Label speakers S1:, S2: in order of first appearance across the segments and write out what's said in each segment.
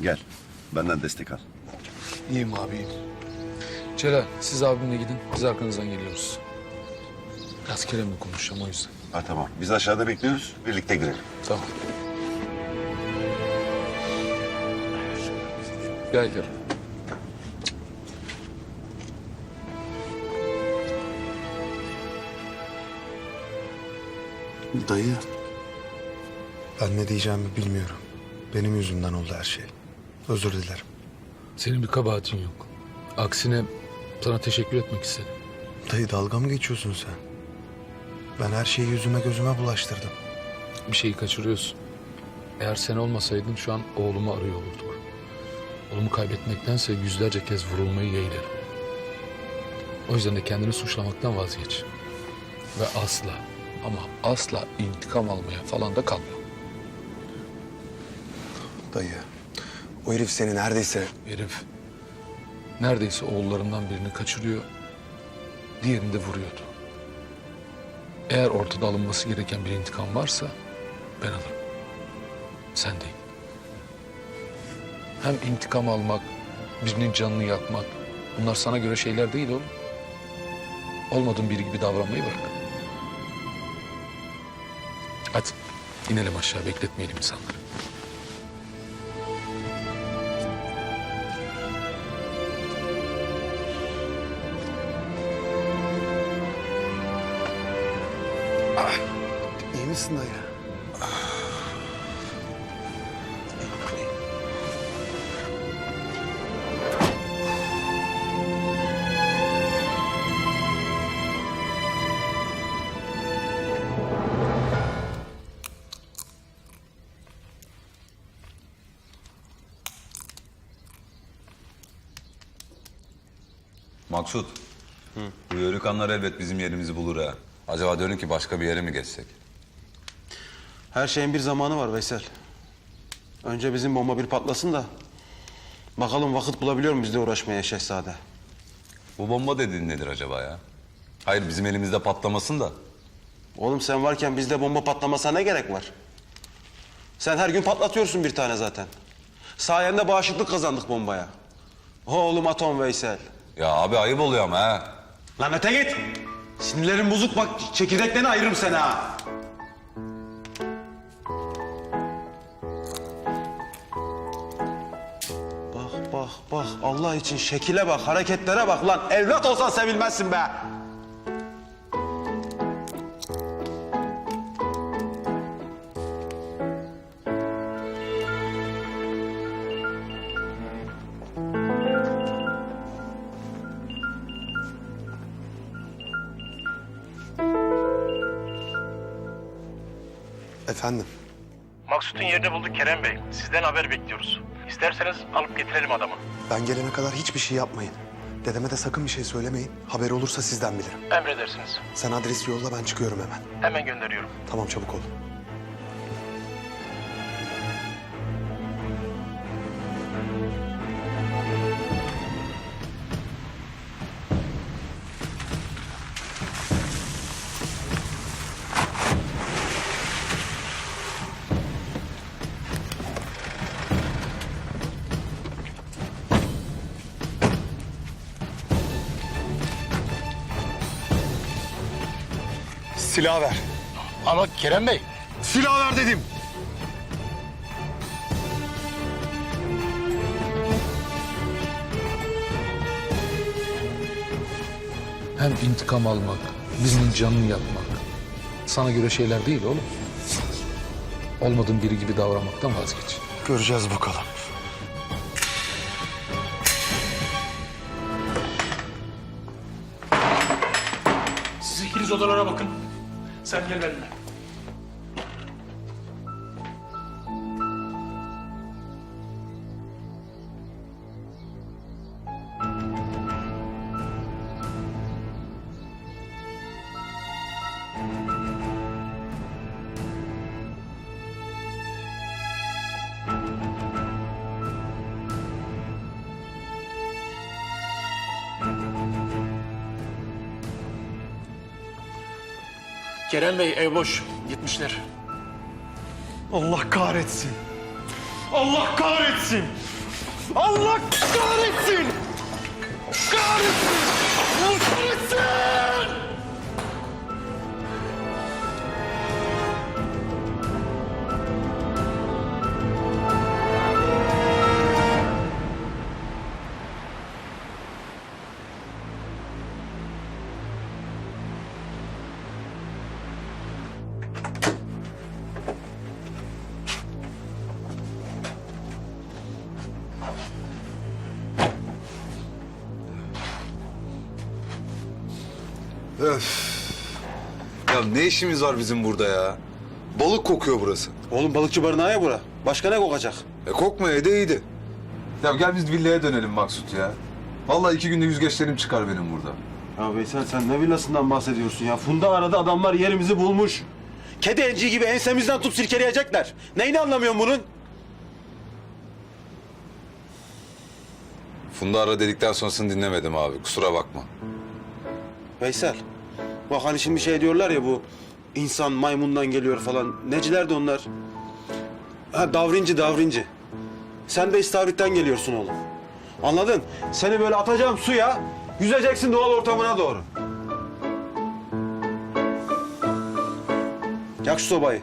S1: Gel. Benden destek al.
S2: İyiyim abi, iyiyim.
S3: Celal, siz abimle gidin. Biz arkanızdan geliyoruz. Biraz Kerem'le konuşacağım o yüzden.
S1: Ha tamam. Biz aşağıda bekliyoruz. Birlikte girelim.
S3: Tamam. Gel Kerem.
S2: Dayı.
S4: Ben ne diyeceğimi bilmiyorum. Benim yüzümden oldu her şey. Özür dilerim.
S3: Senin bir kabahatin yok. Aksine sana teşekkür etmek istedim.
S4: Dayı dalga mı geçiyorsun sen? Ben her şeyi yüzüme gözüme bulaştırdım.
S3: Bir şeyi kaçırıyorsun. Eğer sen olmasaydın şu an oğlumu arıyor olurduk. Oğlumu kaybetmektense yüzlerce kez vurulmayı yeğlerim. O yüzden de kendini suçlamaktan vazgeç. Ve asla ama asla intikam almaya falan da kalma.
S4: Dayı, o herif seni neredeyse...
S3: Herif neredeyse oğullarından birini kaçırıyor, diğerini de vuruyordu. Eğer ortada alınması gereken bir intikam varsa ben alırım. Sen değil. Hem intikam almak, birinin canını yakmak bunlar sana göre şeyler değil oğlum. Olmadığın biri gibi davranmayı bırak. Hadi inelim aşağı, bekletmeyelim insanları.
S4: İyi misin dayı?
S5: Maksut. Bu yörükanlar elbet bizim yerimizi bulur ha. Acaba diyorum ki başka bir yere mi geçsek?
S6: Her şeyin bir zamanı var Veysel. Önce bizim bomba bir patlasın da... bakalım vakit bulabiliyor muyuz bizle uğraşmaya Şehzade?
S5: Bu bomba dediğin nedir acaba ya? Hayır bizim elimizde patlamasın da.
S6: Oğlum sen varken bizde bomba patlamasına ne gerek var? Sen her gün patlatıyorsun bir tane zaten. Sayende bağışıklık kazandık bombaya. Oğlum atom Veysel.
S5: Ya abi ayıp oluyor ama ha.
S6: Lan öte git! Sinirlerin bozuk bak, çekirdeklerini ayırırım seni ha! Bak, Allah için şekile bak, hareketlere bak lan! Evlat olsan sevilmezsin be!
S4: Efendim?
S7: Maksut'un yerini bulduk Kerem Bey. Sizden haber bekliyoruz. İsterseniz alıp getirelim adamı.
S4: Ben gelene kadar hiçbir şey yapmayın. Dedeme de sakın bir şey söylemeyin. Haberi olursa sizden bilirim.
S7: Emredersiniz.
S4: Sen adresi yolla, ben çıkıyorum hemen.
S7: Hemen gönderiyorum.
S4: Tamam, çabuk ol. Silah ver.
S7: Ama Kerem Bey.
S4: Silah ver dedim.
S3: Hem intikam almak, birinin canını yakmak sana göre şeyler değil oğlum. Olmadığın biri gibi davranmaktan vazgeç.
S4: Göreceğiz bakalım.
S7: Siz ikiniz odalara bakın. Sen gel benimle. Kerem Bey ev boş. Gitmişler.
S4: Allah kahretsin. Allah kahretsin.
S6: Allah kahretsin! Kahretsin! Kahretsin!
S4: Öf. Ya ne işimiz var bizim burada ya? Balık kokuyor burası.
S6: Oğlum balıkçı barınağı ya bura. Başka ne kokacak?
S4: Kokmaya da iyiydi. Ya gel biz villaya dönelim Maksut ya. Vallahi 2 günde yüzgeçlerim çıkar benim burada.
S6: Ya Veysel sen ne villasından bahsediyorsun ya? Funda arada adamlar yerimizi bulmuş. Kedi enciği gibi ensemizden tutup silkeleyecekler. Neyini anlamıyorsun bunun?
S5: Funda ara dedikten sonrasını dinlemedim abi. Kusura bakma.
S6: Veysel, bak hani şimdi şey diyorlar ya bu insan maymundan geliyor falan. Neciler de onlar? Ha davrinci. Sen de istavritten geliyorsun oğlum. Anladın? Seni böyle atacağım suya, yüzeceksin doğal ortamına doğru. Yak şu sobayı.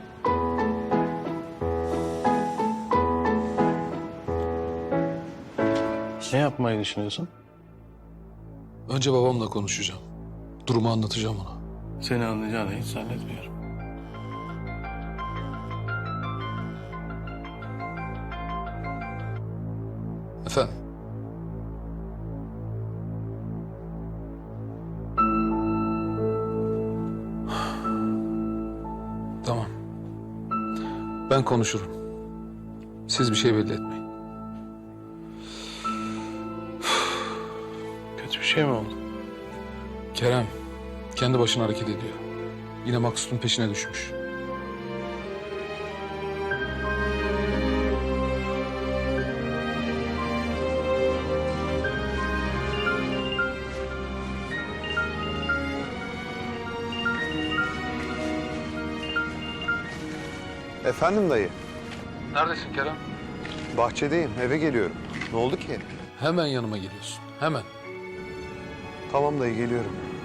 S2: Ne yapmayı düşünüyorsun?
S3: Önce babamla konuşacağım. Durumu anlatacağım ona.
S2: Seni anlayacağını hiç zannetmiyorum.
S3: Efendim? Tamam. Ben konuşurum. Siz bir şey belli etmeyin.
S2: Kötü bir şey mi oldu?
S3: Kerem kendi başına hareket ediyor. Yine Maksut'un peşine düşmüş.
S4: Efendim dayı.
S3: Neredesin Kerem?
S4: Bahçedeyim, eve geliyorum. Ne oldu ki?
S3: Hemen yanıma geliyorsun. Hemen.
S4: Tamam dayı, geliyorum.